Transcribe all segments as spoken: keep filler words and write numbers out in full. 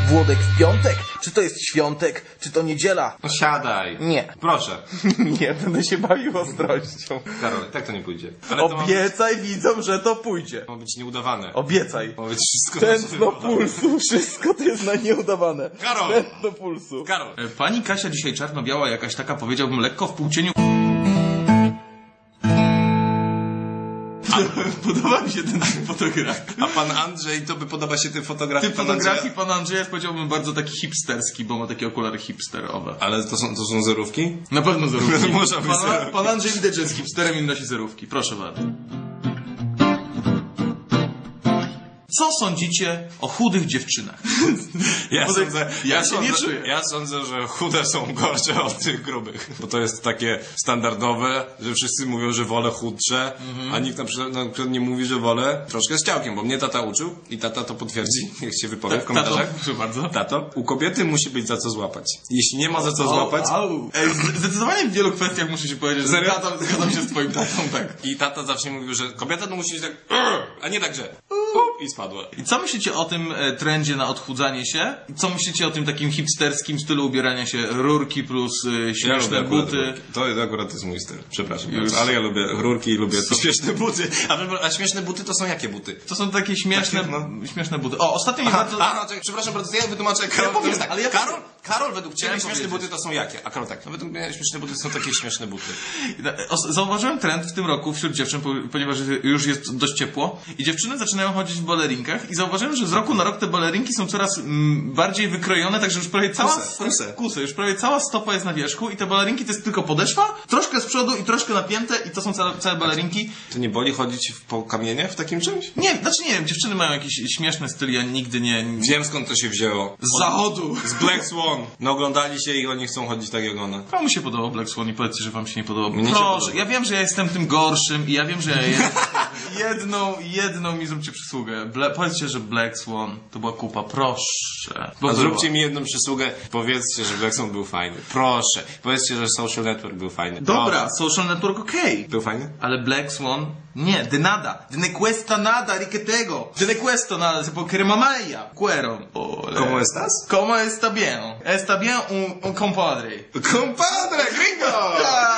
Włodek w piątek? Czy to jest świątek? Czy to niedziela? No siadaj. Nie. Proszę. Nie, będę się bawił ostrością. Karol, tak to nie pójdzie. Ale to Obiecaj ma być... widzom, że to pójdzie. Ma być nieudawane. Obiecaj. Ma być wszystko Tętno pulsu, wszystko to jest na nieudawane. Karol! Tętno pulsu. Karol! Pani Kasia dzisiaj czarno-biała, jakaś taka, powiedziałbym, lekko w półcieniu. Podoba mi się ten fotograf. A pan Andrzej, to by podoba się tym fotografii? Typ fotografii pana Andrzeja jest, powiedziałbym, bardzo taki hipsterski, bo ma takie okulary hipsterowe. Ale to są, to są zerówki? Na pewno zerówki. Może być Pana, zerówki. pan Andrzej widać, że jest hipsterem i nosi zerówki. Proszę bardzo. Co sądzicie o chudych dziewczynach? Ja Bo sądzę, ja ja, się sądzę, nie czuję. ja sądzę, że chude są gorsze od tych grubych. Bo to jest takie standardowe, że wszyscy mówią, że wolę chudsze, Mhm. a nikt na przykład, na przykład nie mówi, że wolę troszkę z ciałkiem, bo mnie tata uczył i tata to potwierdzi, jak się wypowie w komentarzach. Tato, proszę bardzo. Tato, u kobiety musi być za co złapać. Jeśli nie ma za co złapać... Au, au. Ej, z- Zdecydowanie w wielu kwestiach muszę ci powiedzieć, że Serio? zgadzam, zgadzam się z twoim tatą, tak. I tata zawsze mówił, że kobieta to musi być tak... A nie tak, że... I spadła. I co myślicie o tym e, trendzie na odchudzanie się? I co myślicie o tym takim hipsterskim stylu ubierania się? Rurki plus e, śmieszne ja lubię buty. rurki. To akurat jest mój styl. Przepraszam Już. bardzo, ale ja lubię rurki i lubię to śmieszne buty. A, a śmieszne buty to są jakie buty? To są takie śmieszne, Takie, no. śmieszne buty. O, ostatnio mi Aha, bardzo... aha, czekaj, przepraszam bardzo, to ja wytłumaczę. Karol, powiem, to jest tak, ale ja Karol, powiem. Karol, według ciebie Chciałem śmieszne powiedzieć. buty to są jakie? A Karol tak, no według mnie śmieszne buty są takie śmieszne buty. O, Zauważyłem trend w tym roku wśród dziewczyn, po- ponieważ już jest dość ciepło i dziewczyny zaczynają chodzić w balerinkach i zauważyłem, że z roku na rok te balerinki są coraz mm, bardziej wykrojone, także już prawie cała... Kuse, kuse. Kuse, już prawie cała stopa jest na wierzchu i te balerinki to jest tylko podeszwa, troszkę z przodu i troszkę napięte i to są całe, całe balerinki. To nie boli chodzić w- po kamienie w takim czymś? Nie, znaczy nie wiem, dziewczyny mają jakiś śmieszny styl, ja nigdy nie... Wiem skąd to się wzięło. Z zachodu! Z Black Swan. No oglądali się i oni chcą chodzić tak jak ona. Komu się podobał Black Swan i powiedzcie, że wam się nie podobał. Mnie się Proszę, podoba. ja wiem, że ja jestem tym gorszym i ja wiem, że ja jestem... jedną, jedną mi zróbcie przysługę. Bla... Powiedzcie, że Black Swan to była kupa, proszę. Bo A była. zróbcie mi jedną przysługę. Powiedzcie, że Black Swan był fajny. Proszę. Powiedzcie, że Social Network był fajny. Dobra, Social Network okej. Był fajny? Ale Black Swan? Nie, de nada. De ne cuesta nada, riquetego. De ne questo nada, se può cremamaya. Cuero. Ole. ¿Cómo estás? ¿Cómo está bien? Está bien un, un compadre. Compadre, gringo!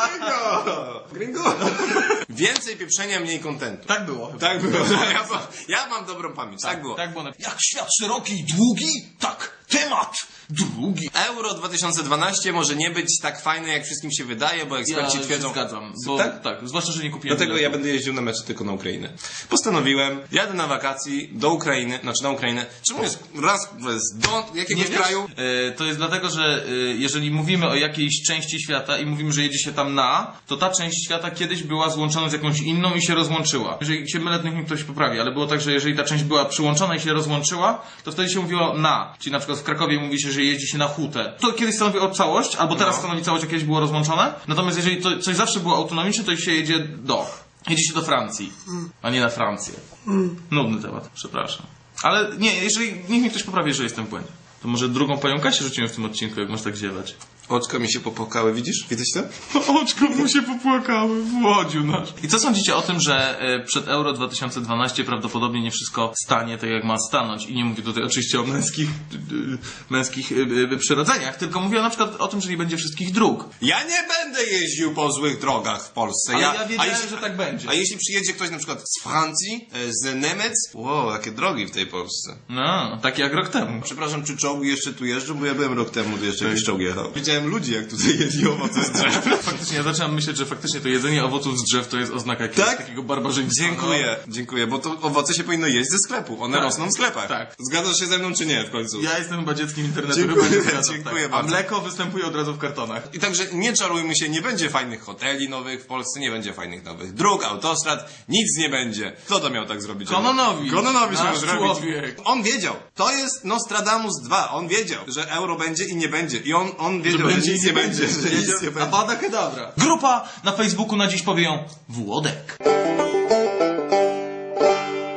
Gringo! Gringo! Więcej pieprzenia, mniej kontentu. Tak było. Tak było. Ja, ma- ja mam dobrą pamięć. Tak, było. Tak było. Jak świat szeroki i długi, tak temat drugi. Euro dwa tysiące dwanaście może nie być tak fajne, jak wszystkim się wydaje, bo Ja eksperci się twierdzą... zgadzam, bo Tak? tak? zwłaszcza, że nie kupiłem Dlatego biletu. ja będę jeździł na mecze tylko na Ukrainę. Postanowiłem, jadę na wakacji do Ukrainy, znaczy na Ukrainę. Czemu jest raz, jest do jakiegoś wiesz? kraju? E, to jest dlatego, że e, jeżeli mówimy o jakiejś części świata i mówimy, że jedzie się tam na, to ta część świata kiedyś była złączona z jakąś inną i się rozłączyła. Jeżeli się mylę, to niech mi ktoś poprawi, ale było tak, że jeżeli ta część była przyłączona i się rozłączyła, to wtedy się mówiło na. Czyli na przykład w Krakowie mówi się, że jedzie się na hutę. To kiedyś stanowiło całość, albo teraz No. stanowi całość, a kiedyś było rozłączone. Natomiast jeżeli to coś zawsze było autonomiczne, to się jedzie do. Jedzie się do Francji, a nie na Francję. Nudny temat, przepraszam. Ale nie, jeżeli niech mi ktoś poprawi, że jestem w błędzie. To może drugą panią Kasię rzuciłem w tym odcinku, jak masz tak ziewać. Oczka mi się popłakały, widzisz? Widać to? Oczko mu się popłakały, Włodziu nasz. I co sądzicie o tym, że e, przed Euro dwa tysiące dwanaście prawdopodobnie nie wszystko stanie tak, jak ma stanąć? I nie mówię tutaj oczywiście o męskich, y, y, męskich y, y, przyrodzeniach, tylko mówię na przykład o tym, że nie będzie wszystkich dróg. Ja nie będę jeździł po złych drogach w Polsce. Ale ja, ja wiedziałem, że tak będzie. A jeśli przyjedzie ktoś na przykład z Francji, e, z Niemiec? Wow, jakie drogi w tej Polsce. No, tak jak rok temu. Przepraszam, czy czołgi jeszcze tu jeżdżą? Bo ja byłem rok temu, to jeszcze jakiś czołg jechał. Widziałem ludzi, jak tutaj jedli owoce z drzew. Faktycznie, ja zaczynam myśleć, że faktycznie to jedzenie owoców z drzew to jest oznaka jakiegoś Tak? takiego barbarzyństwa. Dziękuję, dziękuję, bo to owoce się powinno jeść ze sklepu. One Tak. rosną w sklepach. Tak. Zgadzasz się ze mną, czy nie w końcu? Ja jestem chyba dzieckiem internetu, Dziękuję, chyba nie zgadzam, dziękuję tak. A bardzo. mleko występuje od razu w kartonach. I także nie czarujmy się, nie będzie fajnych hoteli nowych w Polsce, nie będzie fajnych nowych dróg, autostrad, nic nie będzie. Kto to miał tak zrobić? Kononowicz. Kononowicz miał Nasz zrobić. człowiek. On wiedział. To jest Nostradamus dwa. On wiedział, że euro będzie i nie będzie. I on, on wiedział, że, będzie nic i nie będzie. Że nic nie będzie. Abada kedavra. Grupa na Facebooku na dziś powie ją Włodek.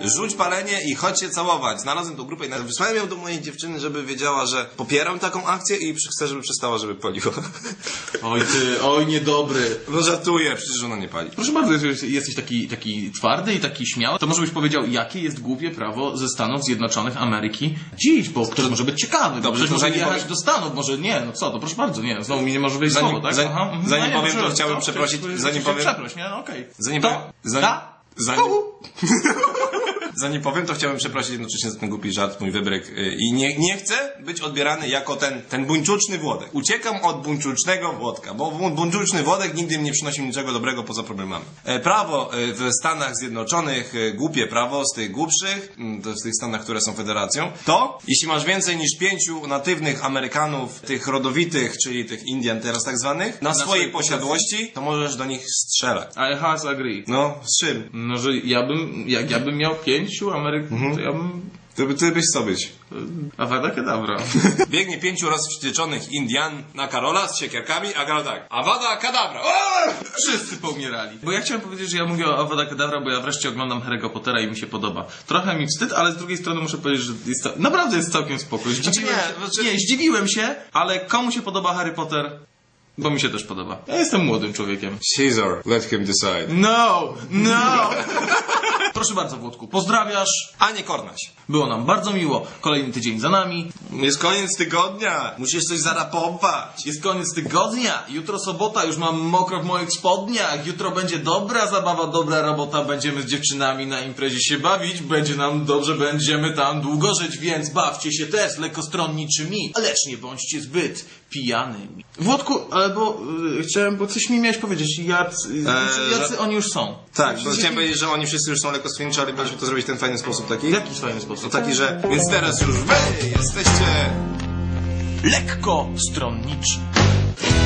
rzuć palenie i chodź się całować. Znalazłem tą grupę i nawet wysłałem ją do mojej dziewczyny, żeby wiedziała, że popieram taką akcję i chcę, żeby przestała, żeby paliła. Oj ty, oj niedobry. No żartuję, przecież ona nie pali. Proszę bardzo, jeżeli jesteś taki, taki twardy i taki śmiały, to może byś powiedział, jakie jest głupie prawo ze Stanów Zjednoczonych Ameryki dziś, bo ktoś może być ciekawy, Dobrze, ktoś to może zanim jechać powiem- do Stanów, może nie, no co, to proszę bardzo, nie, znowu mi nie może wejść Zanim- słowo, tak? zanim- Aha, mhm. zanim No nie, powiem, to proszę, chciałbym co? przeprosić- Chciałbym- zanim chciałbym powiem- Przeproś, nie, no okej. Zanim To? powiem- zanim- Ta? Zanim, Uhu. zanim powiem, to chciałbym przeprosić jednocześnie za ten głupi żart, mój wybryk. y, I nie, nie chcę być odbierany jako ten, ten buńczuczny Włodek. Uciekam od buńczucznego Włodka, bo bu- buńczuczny Włodek nigdy mi nie przynosił niczego dobrego poza problemami. E, Prawo e, w Stanach Zjednoczonych, e, głupie prawo z tych głupszych, mm, to z tych Stanach, które są federacją, to jeśli masz więcej niż pięciu natywnych Amerykanów, tych rodowitych, czyli tych Indian teraz tak zwanych, na, swojej swojej posiadłości, to możesz do nich strzelać. I has agree. No, z czym? No, że ja bym, jak ja bym miał pięciu Amerykanów, to ja bym... To by ty byś co być. Awada kedavra. Biegnie pięciu rozwścieczonych Indian na Karola z siekierkami, a Karol tak. Awada kadabra! O! Wszyscy poumierali. Bo ja chciałem powiedzieć, że ja mówię o Avada Kedavra, bo ja wreszcie oglądam Harry'ego Pottera i mi się podoba. Trochę mi wstyd, ale z drugiej strony muszę powiedzieć, że jest to, naprawdę jest całkiem spoko. Zdziwiłem Znaczy się, nie, znaczy- nie, zdziwiłem się, ale komu się podoba Harry Potter? Bo mi się też podoba. Ja jestem młodym człowiekiem. Caesar, let him decide. No! No! Proszę bardzo, Włodku, pozdrawiasz. A nie Kornaś. Było nam bardzo miło. Kolejny tydzień za nami. Jest koniec tygodnia. Musisz coś zarapować. Jest koniec tygodnia. Jutro sobota, już mam mokro w moich spodniach. Jutro będzie dobra zabawa, dobra robota. Będziemy z dziewczynami na imprezie się bawić. Będzie nam dobrze, będziemy tam długo żyć, więc bawcie się też lekkostronniczymi. Lecz nie bądźcie zbyt pijanymi. Włodku, ale bo y, chciałem, bo coś mi miałeś powiedzieć. Jacy, Eee, jacy że- oni już są? Tak, bo Jacy- chciałem powiedzieć, że oni wszyscy już są lekkostronniczy, ale mieliśmy to zrobić w ten fajny sposób taki. W jakiś fajny sposób. To taki, że... Więc teraz już wy jesteście... Lekko stronniczy.